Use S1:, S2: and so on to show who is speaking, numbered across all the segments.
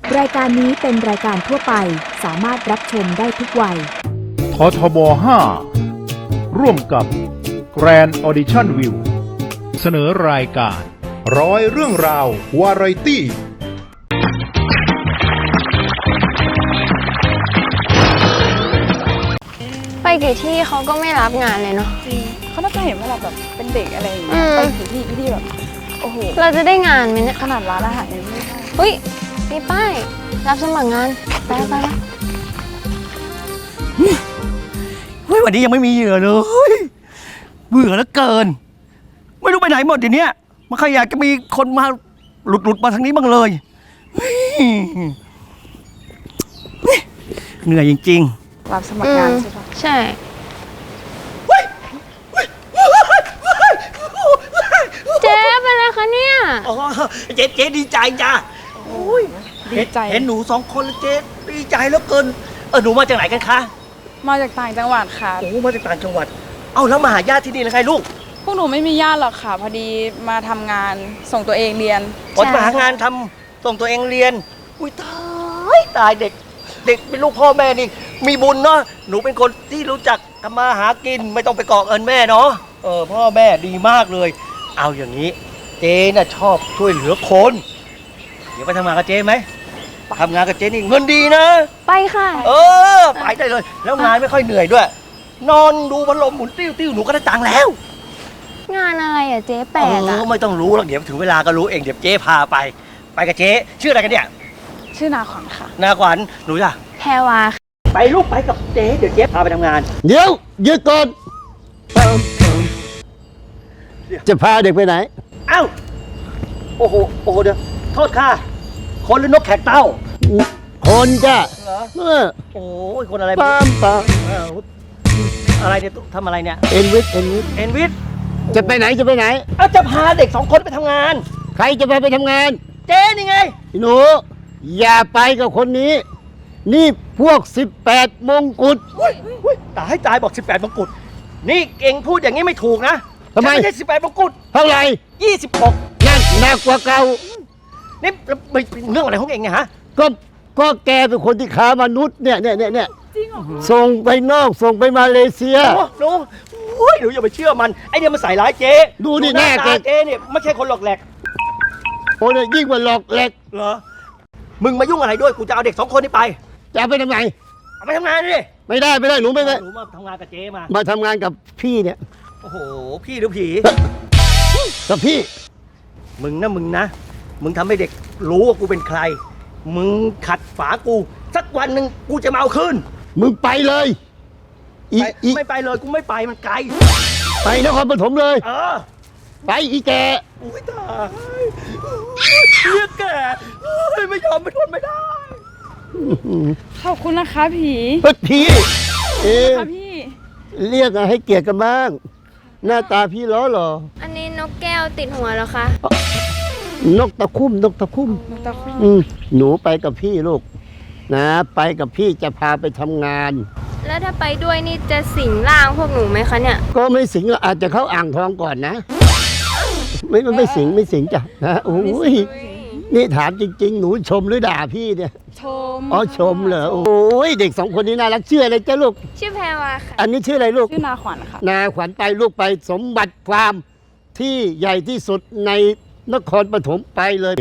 S1: รายการนี้เป็นรายการทั่วไปสามารถรับชมได้ทุกวัย
S2: ททบ 5 ร่วมกับ Grand Audition View เสนอรายการ
S3: ร้อยเรื่องราววาไรตี้
S4: ไปกี่ที่เขาก็ไม่รับงานเลยเนาะ
S5: จริงเขาน่าจะเห็นว่าเราแบบเป็นเด็กอะไรอย่างเงี้ยไปกี่ที่แบบโอ้โห
S4: เราจะได้งานไหมเนี่ย
S5: ขนาดร้านอาหารยังไม่ได้
S4: เฮ้ยมีป้ายรับสมัครงานไป
S6: เฮ้ยวันนี้ยังไม่มีเหยื่อเลยเบื่อแล้วเกินไม่รู้ไปไหนหมดเดี๋ยวนี้มันใครอยากจะมีคนมาหลุดมาทางนี้บ้างเลยเหนื่อยจริง
S5: ๆรับสมัครงานใช่ปะ
S4: ใช่เจ๊เป็นอะไรคะเนี่ย
S6: อ๋อเจ๊ดีใจจ้ะ
S5: ดีใจ
S6: เห็นหนูสองคนแล้วเจ๊ดีใจแล้วเกินหนูมาจากไหนกันคะ
S5: มาจากต่างจังหวัดค่ะ
S6: โอ้มาจากต่างจังหวัดเอ้าแล้วมาหาญาติที่นี่แล้วไงลูก
S5: พวกหนูไม่มีญาติหรอกค่ะพอดีมาทำงานส่งตัวเองเรียน
S6: มาหางานทำส่งตัวเองเรียนอุ้ยตายเด็กเป็นลูกพ่อแม่นี่มีบุญเนาะหนูเป็นคนที่รู้จักทำมาหากินไม่ต้องไปเกาะเอิญแม่เนาะพ่อแม่ดีมากเลยเอาอย่างนี้เจ๊น่ะชอบช่วยเหลือคนเดี๋ยวไปทำงานกับเจ๊ไหมทำงานกับเจ๊นี่เงินดีนะ
S4: ไปค่ะ
S6: ไปได้เลยแล้วงานไม่ค่อยเหนื่อยด้วยนอนดูพัดลมหมุนติ้วหนูก็ได้ตังค์แล้ว
S4: งานอะไรอ่ะเจ๊แปลกอ่ะ
S6: ไม่ต้องรู้หรอกเดี๋ยวถึงเวลาก็รู้เองเดี๋ยวเจ๊พาไปกับเจ๊ชื่ออะไรกันเนี่ย
S5: ชื่อนาขวัญค่ะ
S6: นาขวัญหนูจ้ะ
S4: แพรวา
S6: ไปลูกไปกับเจ๊เดี๋ยวเจ๊พาไปทำงาน
S7: เดี๋ยวยืดก่อนจะพาเด็กไปไหน
S6: เอ้าโอ้โหเดี๋ยวโทษค่ะคนหรือนกแขกเต้า
S7: คนจ้ะ
S6: เหรอโอ้ยคนอะไร
S7: ปาม
S6: อะไรเนี่ยทำอะไรเนี่ย
S7: เอ็นวิทจะไปไหน
S6: จะพาเด็ก2 คนไปทำงาน
S7: ใครจะพาไปทำงาน
S6: เจ๊นี่ไง
S7: หนูอย่าไปกับคนนี้นี่พวก18 มงกุฎ
S6: ตายบอก18 มงกุฎนี่เองพูดอย่างนี้ไม่ถูกนะ
S7: ทำไม
S6: ไม่ใช่18 มงกุฎ
S7: เท่าไหร่
S6: 26
S7: นั่นหนักกว่าเก่า
S6: นี่เรื่องอะไรของเองเนี่ยฮะ
S7: ก็แกเป็นคนที่ค้ามนุษย์เนี่ยส่งไปนอกส่งไปมาเลเซีย
S6: หนูอย่าไปเชื่อมันไอเนี่ยมันใส่ร้ายเจ๊
S7: ดูนี่แน่
S6: เจ๊เนี่ยไม่ใช่คนหลอกแหลก
S7: โอ้ยยิ่งกว่าหลอกแหลก
S6: เหรอมึงมายุ่งอะไรด้วยกูจะเอาเด็ก2 คนนี้ไป
S7: จะเอาไปทำไม
S6: เอาไปทำงานดิ
S7: ไม่ได้หนูไม่ได้
S6: หนูมาทำงานกับเจ๊
S7: มาทำงานกับพี่เนี่ย
S6: โอ้โหพี่หรือผี
S7: กับพี่
S6: มึงนะมึงทำให้เด็กรู้ว่ากูเป็นใครมึงขัดฝากูสักวันหนึ่งกูจะมาเอาคืน
S7: มึงไปเลย
S6: ไม่ไปเลยกูไม่ไปมันไกล
S7: ไปนครปฐมเลยไปอีแก
S6: อุ้ยตายเรียกแกไม่ยอมไม่ทนไม่ได้
S5: ขอบคุณนะคะผี
S7: พี่
S5: ค่ะพี่
S7: เรียกให้เกียรติกันบ้างหน้าตาพี่ล้อหรอ
S4: อันนี้นกแก้วติดหัวแล้วคะ
S7: นกตะคุ่มหนูไปกับพี่ลูกนะไปกับพี่จะพาไปทำงาน
S4: แล้วถ้าไปด้วยนี่จะสิงร่างพวกหนูไหมคะเนี่ย
S7: ก็ไม่สิงอาจจะเข้าอ่างทองก่อนนะไม่สิงจ้ะนะโอ้ยนี่ถามจริงๆหนูชมหรือด่าพี่เนี่ยชมเหรอโอ้ยเด็ก2 คนนี้น่ารักชื่ออะไรจ้าลูก
S4: ชื่อแพรวาค่ะ
S7: อันนี้ชื่ออะไรลูก
S5: ชื่อนาขวัญค่ะ
S7: นาขวัญไปลูกไปสมบัติฟาร์มที่ใหญ่ที่สุดในนครปฐมไปเลย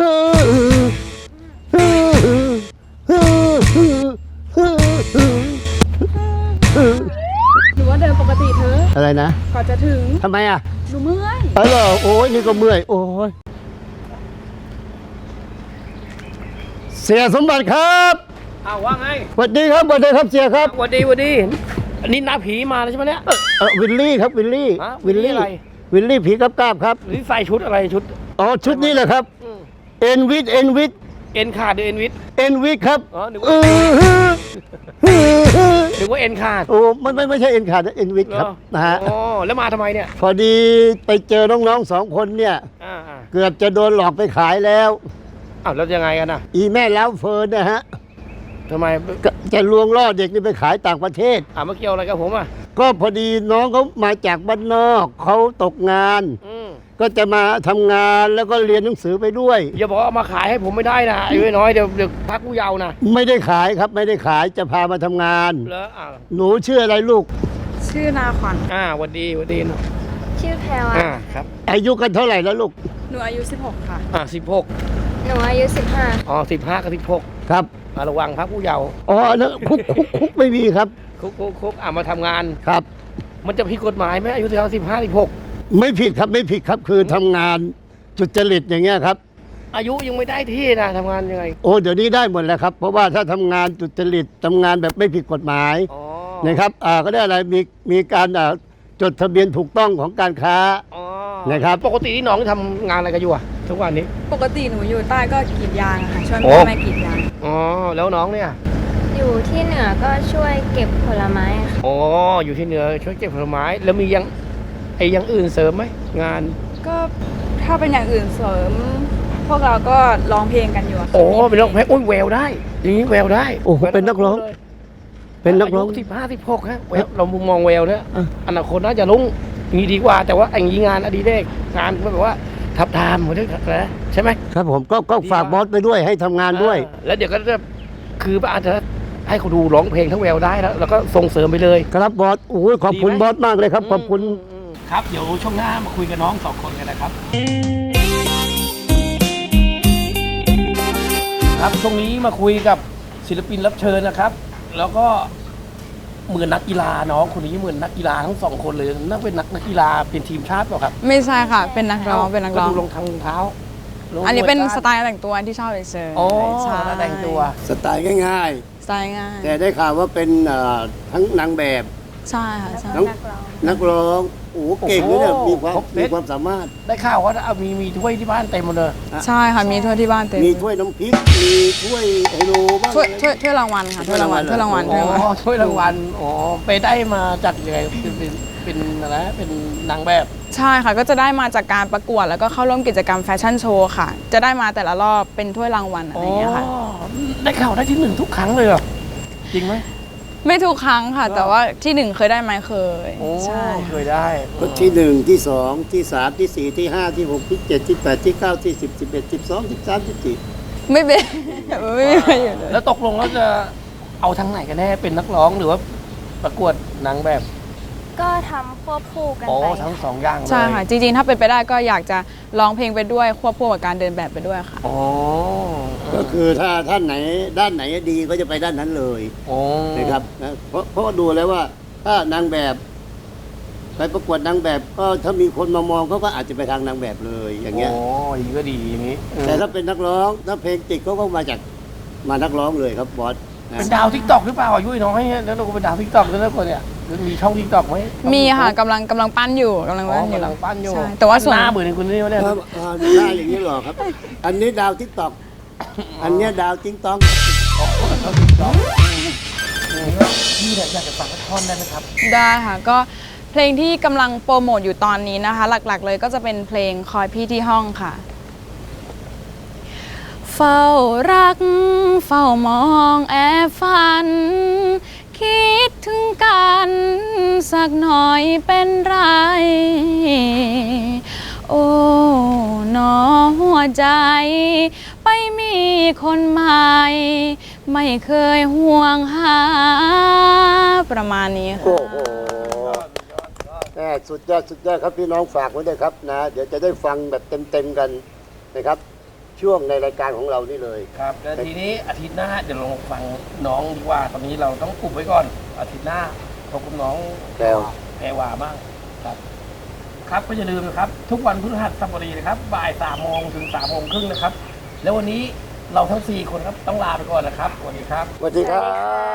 S5: หนูว่าเดินปกติเธอ
S7: อะไรนะ
S5: ก่อนจะถึง
S7: ทำไมอ่ะ
S5: หนูเมื่อย
S7: เหรอโอ้ยนี่ก็เมื่อยโอ้ยเสียสมบัติครับ
S6: ว่าไง
S7: สวัสดีครับเสียครับ
S6: สวัสดีอันนี้น้าผีมาแล้วใช่ไหมเนี่ย
S7: วิลลี่ครับวิลลี่
S6: อะไร
S7: วิลลี่ผีกับกาบครับ
S6: หรือใส่ชุดอะไรชุด
S7: ชุดนี้แหละครับเอ็นวิทเ
S6: อ็นขาดหรือเอ็นวิ
S7: ทครับ
S6: นึกว่าเอ็นขาด
S7: โอ้ไม่ใช่เอ็นขาดนะเอ็นวิทครับนะฮะ
S6: แล้วมาทำไมเนี่ย
S7: พอดีไปเจอน้องๆ2 คนเนี่ยเกือบจะโดนหลอกไปขายแล้ว
S6: แล้วยังไงกันนะ
S7: อีแม่แล้วเฟิร์นนะฮะ
S6: ทำไม
S7: จะลวงล่อเด็กนี่ไปขายต่างประเทศ
S6: มาเกี่ยวอะไรกับผม
S7: ก็พอดีน้องเขามาจากบ้านนอกเขาตกงานก็จะมาทำงานแล้วก็เรียนหนังสือไปด้วย
S6: อย่าบอกเอามาขายให้ผมไม่ได้นะอายุน้อยเดี๋ยวพักผู้เยาว์นะ
S7: ไม่ได้ขายครับไม่ได้ขายจะพามาทำงาน
S6: แล้ว
S7: หนูชื่ออะไรลูก
S5: ชื่อนาขวัญ
S6: หวันดีเนาะ
S4: ชื่อแพรว
S6: ครับ
S7: อายุกันเท่าไหร่แล้วลูก
S5: หนูอายุ 16 ค่ะ
S6: 16
S4: หนูอายุ 15
S6: 15กับ16
S7: ครับ
S6: ระวังพักผู้เยาว์
S7: อ๋อนะคุกไม่มีครับ
S6: คุกมาทำงาน
S7: ครับ
S6: มันจะผิดกฎหมายไหมอายุ15 16
S7: ไม่ผิดครับไม่ผิดครับคือทำงานจุจริตอย่างเงี้ยครับ
S6: อายุยังไม่ได้ที่นะทำงานยังไง
S7: โอ้เดี๋ยวนี้ได้หมดแล้วครับ เพราะว่าถ้าทำงานจุจริตทำงานแบบไม่ผิดกฎหมายนะครับก็ได้อะไรมีการจดทะเบียนถูกต้องของการค้านะครับ
S6: ปกติที่น้องทำงานอะไรกันอยู่อะทุกวันนี้
S5: ปกติหนูอยู่ใต้ก็กรีดยางอะค่ะช่วย
S6: โอ้
S5: แม่กรีดยาง
S6: แล้วน้องเนี่ย
S4: อยู่ที่เหนือก็ช่วยเก็บผลไม้ค่ะ
S6: อยู่ที่เหนือช่วยเก็บผลไม้แล้วมีอย่างอื่นเสริมไหมงาน
S5: ก็ถ้าเป็นอย่างอื่นเสริม พวกเราก็ร้องเพลงกันอยู่อะค่ะ
S6: เป็นนักร้องโอ้ยแววได้อย่างนี้แววได้
S7: โอ้โหเป็นนักร้อง เป็นนักร้อง
S6: ายุ15 16ฮะแววเรามองแววเนี่ยอนาคตน่าจะลุ่งอย่างนี้ดีกว่าแต่ว่าอย่างนี้งานอดีเรกงานแบบว่าทับทามเหมือนนะใช่ไหม
S7: ครับผมก็ฝากบอสไปด้วยให้ทำงานด้วย
S6: แล้วเดี๋ยวก็จะคืออาจจะให้เขาดูร้องเพลงทั้งแววได้แล้วก็ส่งเสริมไปเลย
S7: ครับบอสโอ้ยขอบคุณบอสมากเลยครับขอบคุณ
S6: ครับเดี๋ยวช่วงหน้ามาคุยกับน้อง2 คนกันนะครับครับช่วงนี้มาคุยกับศิลปินรับเชิญนะครับ แล้วก็เหมือนนักกีฬาน้องคนนี้เหมือนนักกีฬาทั้ง2 คนเลยน่าเป็นนักกีฬาเป็นทีมชาติเปล่าครับ
S5: ไม่ใช่ค่ะ เป็นนักร้องเป็นนักร้อง
S6: ก็ดูรองเท้า
S5: อันนี้เป็นสไตล์แต่งตัวที่ชอบเฉยๆ
S6: ใช่แต่งตัว
S7: สไตล์ง่าย
S5: สไตล์ง่าย
S7: ๆ แต่ได้ข่าวว่าเป็นทั้งนางแบบ
S5: ใช่ค่ะใช่
S7: ทั้งนักร้องโอ้เก่งเลยเนี่ยมีความสามารถ
S6: ได้ข่าวว่ามีถ้วยที่บ้านเต็มหมดเลย
S5: ใช่ค่ะมีถ้วยที่บ้านเต็ม
S7: มีถ้วยน้ำพริกมีถ้วยไฮโลบ้าง
S5: ถ้วยรางวัลค่ะถ้วยรางวัล
S7: ถ้วยรางวัล
S6: ถ้วยรางวัลไปได้มาจากยังไงเป็นอะไรเป็นนางแบบ
S5: ใช่ค่ะก็จะได้มาจากการประกวดแล้วก็เข้าร่วมกิจกรรมแฟชั่นโชว์ค่ะ จะได้มาแต่ละรอบเป็นถ้วยรางวัลอะไรอย่างเงี้ยค่ะ
S6: ได้ข่าวได้ที่ 1ทุกครั้งเลยเหรอจริงไหม
S5: ไม่ทุกครั้งค่ะ แต่ว่าที่ 1เคยได้ไหมเคยใช่
S6: เคยได้
S7: ก็ที่ 1 ที่ 2 ที่ 3 ที่ 4 ที่ 5 ที่ 6 ที่ 7 ที่ 8 ที่ 9 ที่ 10 11 12 13 14
S5: ไม่เป็นไม่มีใครอยู่เลย
S6: แล้วตกลงแล้วจะเอาทางไหนกันแน่เป็นนักร้องหรือว่าประกวดนางแบบ
S4: ก็ทำควบคู่กันไป
S6: ทั้ง2 อย่างเลย
S5: ใช่ค่ะจริงๆถ้าเป็นไปได้ก็อยากจะร้องเพลงไปด้วยควบคู่กับการเดินแบบไปด้วยค่ะ
S7: ก็คือถ้าท่านไหนด้านไหนดีก็จะไปด้านนั้นเลยนะครับนะเพราะดูแล้วว่าถ้านางแบบไปประกวดนางแบบก็ถ้ามีคนมามองเขาก็อาจจะไปทางนางแบบเลยอย่างเงี้ย
S6: อย่างนี้ก็ดีอย่างนี้
S7: แต่ถ้าเป็นนักร้องถ้าเพลงติดเขาก็มานักร้องเลยครับบอสนะ
S6: เป็นดาวทิกตอกหรือเปล่าอายุน้อยแล้วเราก็เป็นดาวทิกตอกแล้วคนเนี่ยมีช่องทิกตอกไหม
S5: มีค่ะกำลังปั้นอยู่กำลังปั้นอยู่ ใช่แต่ว่าส่วน
S6: หน้าเหมือนคุณนี่เนี่ย
S7: ครับหน้าอย่างนี้หรอครับ อันนี้ดาวทิกตอกอันนี้ดาวติ๊งต้อง
S6: พี่เนี่ยอยากจะฟังท่อนได้ไหมครับ
S5: ได้ค่ะก็เพลงที่กำลังโปรโมทอยู่ตอนนี้นะคะ หลักๆเลยก็จะเป็นเพลงคอยพี่ที่ห้องค่ะ เฝ้ารักเฝ้ามองแอบฝัน คิดถึงกันสักหน่อยเป็นไร โอ้หนอหัวใจ ไปมีคนใหม่ ไม่เคยห่วงหาประมาณนี้ค่ะ
S7: โอ้โหสุดยอดครับพี่น้องฝากไว้ด้วยครับนะเดี๋ยวจะได้ฟังแบบเต็มกันนะครับช่วงในรายการของเรานี่เลย
S6: ครับแล้วทีนี้อาทิตย์หน้าเดี๋ยวลองฟังน้องดีกว่าตอนนี้เราต้องอุบไว้ก่อนอาทิตย์หน้าพบกับน้องแพรวาบ้างครับครับก็อย่าลืมนะครับทุกวันพฤหัสบดีนะครับบ่าย3 โมงถึง3 โมงครึ่งนะครับแล้ววันนี้เราทั้ง4 คนครับต้องลาไปก่อนนะครับสวัสดีครับ
S7: สวัสดีครับ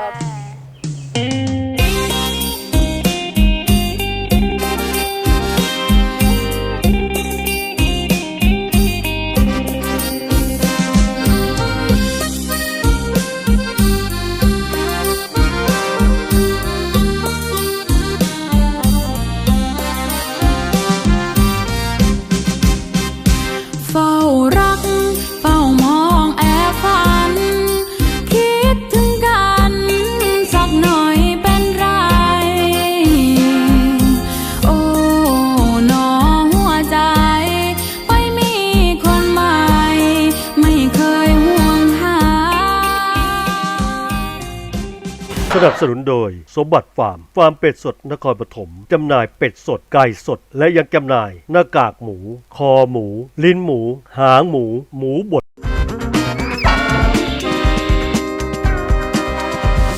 S8: เฝ้ารักเฝ้ามองแอบฝันคิดถึงกัน
S9: สนับสนุนโดยสมบัติฟาร์มเป็ดสดนครปฐมจำหน่ายเป็ดสดไก่สดและยังจำหน่ายหน้ากากหมูคอหมูลิ้นหมูหางหมูหมูบด